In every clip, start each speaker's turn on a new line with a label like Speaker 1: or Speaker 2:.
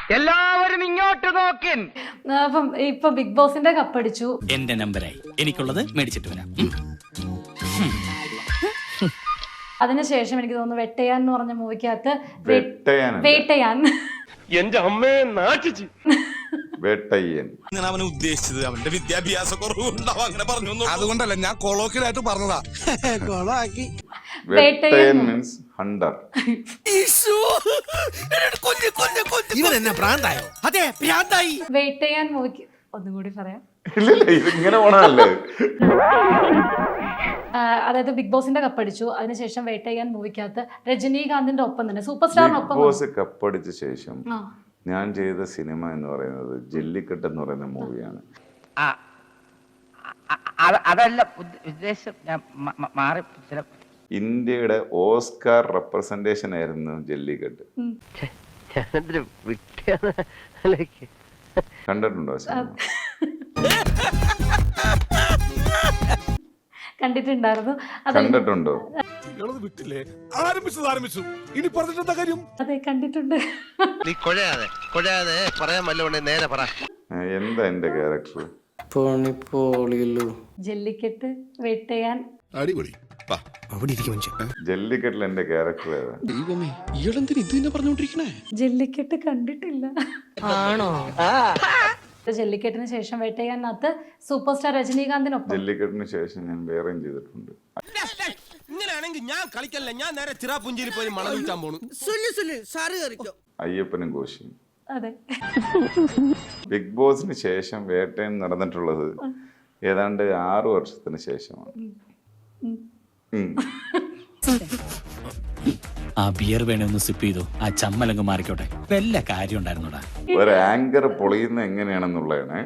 Speaker 1: എല്ലാവരും ഇങ്ങോട്ട് നോക്കിൻ.
Speaker 2: അപ്പം ഇപ്പൊ ബിഗ് ബോസിന്റെ കപ്പടിച്ചു.
Speaker 3: എന്റെ നമ്പറായി, എനിക്കുള്ളത് മേടിച്ചിട്ട് വരാം.
Speaker 2: അതിനുശേഷം എനിക്ക് തോന്നുന്നു വെട്ടയാൻ എന്ന് പറഞ്ഞ മൂവിക്കകത്ത്
Speaker 4: വേട്ടയാൻ
Speaker 1: എന്റെ അമ്മയെ നാട്ടിച്ച്
Speaker 4: വേട്ടയ്യൻ
Speaker 5: ഞാൻ അവനെ ഉദ്ദേശിച്ചത് അവന്റെ വിദ്യാഭ്യാസ കുറവുണ്ടാവും അങ്ങനെ പറഞ്ഞു. അതുകൊണ്ടല്ല ഞാൻ കൊളോക്കിലായിട്ട് പറഞ്ഞതാ. കൊളാക്കി
Speaker 4: വേട്ടയൻ മീൻസ് ഹണ്ടർ.
Speaker 5: ഇവൻ എന്നെ ഭ്രാന്തായോ? അതെ ഭ്രാന്തായി.
Speaker 2: വേട്ടയാൻ മൂവിക്ക് ഒന്നും കൂടി പറയാം.
Speaker 4: ഇല്ലില്ല, ഇത് ഇങ്ങനെ പോണല്ലേ.
Speaker 2: അതായത് ബിഗ് ബോസിന്റെ കപ്പടിച്ചു. അതിനുശേഷം വേട്ടയാൻ മൂവിക്കകത്ത് രജനീകാന്തിന്റെ ഒപ്പം തന്നെ സൂപ്പർ സ്റ്റാറിനൊപ്പം
Speaker 4: ബിഗ് ബോസ് കപ്പടിച്ച ശേഷം ഞാൻ ചെയ്ത സിനിമ എന്ന് പറയുന്നത് ജല്ലിക്കെട്ട് എന്ന് പറയുന്ന മൂവിയാണ്.
Speaker 1: അതല്ല ഉദ്ദേശം, ഞാൻ മാറി.
Speaker 4: ഇന്ത്യയുടെ ഓസ്കാർ റെപ്രസെന്റേഷൻ ആയിരുന്നു ജല്ലിക്കെട്ട്. കണ്ടിട്ടുണ്ടോ സിനിമ?
Speaker 2: കണ്ടിട്ടുണ്ടായിരുന്നു.
Speaker 4: കണ്ടിട്ടുണ്ടോ?
Speaker 5: വിട്ടില്ലേ? ആരംഭിച്ചു ഇനി പറഞ്ഞിട്ടെന്താ കാര്യം?
Speaker 2: അതെ, കണ്ടിട്ടുണ്ട്.
Speaker 6: നീ കൊഴയാതെ പറയാൻ വല്ലോണ്ടേ നേരെ പറ.
Speaker 4: എന്താ എന്റെ ക്യാരക്ടർ?
Speaker 2: ജല്ലിക്കെട്ട്, വേട്ടയാൻ.
Speaker 5: അടിപൊളി.
Speaker 4: ജല്ലിക്കെട്ടിൽ എന്റെ ക്യാരക്ടർ ഏതാ?
Speaker 2: ജല്ലിക്കെട്ട് കണ്ടിട്ടില്ല. ആണോ? ജല്ലിക്കെട്ടിന് ശേഷം വേട്ടയാനകത്ത് സൂപ്പർ സ്റ്റാർ രജനീകാന്തിനൊപ്പം.
Speaker 4: ജല്ലിക്കെട്ടിന് ശേഷം ഞാൻ വേറെയും ചെയ്തിട്ടുണ്ട്.
Speaker 5: ഇങ്ങനെയാണെങ്കിൽ ഞാൻ കളിക്കല്ല, ഞാൻ നേരെ ചിറാപുഞ്ചിയിൽ പോയി മണം വിൽക്കാൻ പോണു.
Speaker 4: അയ്യപ്പനും കോശിയും.
Speaker 2: അതെ.
Speaker 4: ബിഗ് ബോസിന് ശേഷം വേട്ടയൻ നടന്നിട്ടുള്ളത് ഏതാണ്ട് 6 വർഷത്തിന് ശേഷമാണ്.
Speaker 3: ആ ബിയർ വേണേ ഒന്ന് സിപ്പ് ചെയ്തു, ആ ചമ്മലങ്ങ് മാറിക്കോട്ടെ. വല്ല കാര്യം ഉണ്ടായിരുന്നോടാ.
Speaker 4: ഒരു ആങ്കർ പൊളിയുന്ന എങ്ങനെയാണെന്നുള്ളതാണ്.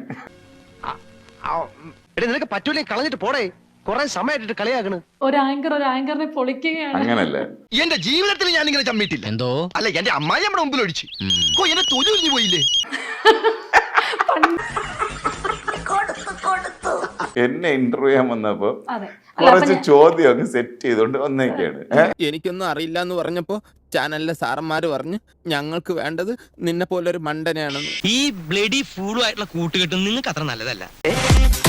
Speaker 6: നിനക്ക് പറ്റൂലേ കളഞ്ഞിട്ട് പോടേ. കൊറേ സമയമായിട്ട് കളിയാക്കണ്.
Speaker 2: ഒരു ആങ്കറിനെ പൊളിക്കുകയാണ്.
Speaker 4: അങ്ങനല്ല,
Speaker 6: എന്റെ ജീവിതത്തിൽ ഞാൻ ഇങ്ങനെ ചമ്മിട്ടില്ല. എന്തോ അല്ല, എന്റെ അമ്മായി നമ്മുടെ മുമ്പിൽ ഒഴിച്ചു. എന്നെ തൊഴിൽ പോയില്ലേ?
Speaker 4: എന്നെ ഇന്റർവ്യൂ ചെയ്യാൻ വന്നപ്പോ കുറച്ച് ചോദ്യം അങ്ങ് സെറ്റ് ചെയ്തോണ്ട് വന്നേക്കാണ്.
Speaker 7: എനിക്കൊന്നും അറിയില്ല എന്ന് പറഞ്ഞപ്പോ ചാനലിലെ സാറന്മാര് പറഞ്ഞു ഞങ്ങൾക്ക് വേണ്ടത് നിന്നെ പോലൊരു മണ്ടനെയാണെന്ന്.
Speaker 6: ഈ ബ്ലഡി ഫൂളുമായിട്ടുള്ള കൂട്ടുകെട്ടും നിങ്ങൾക്ക് അത്ര നല്ലതല്ല.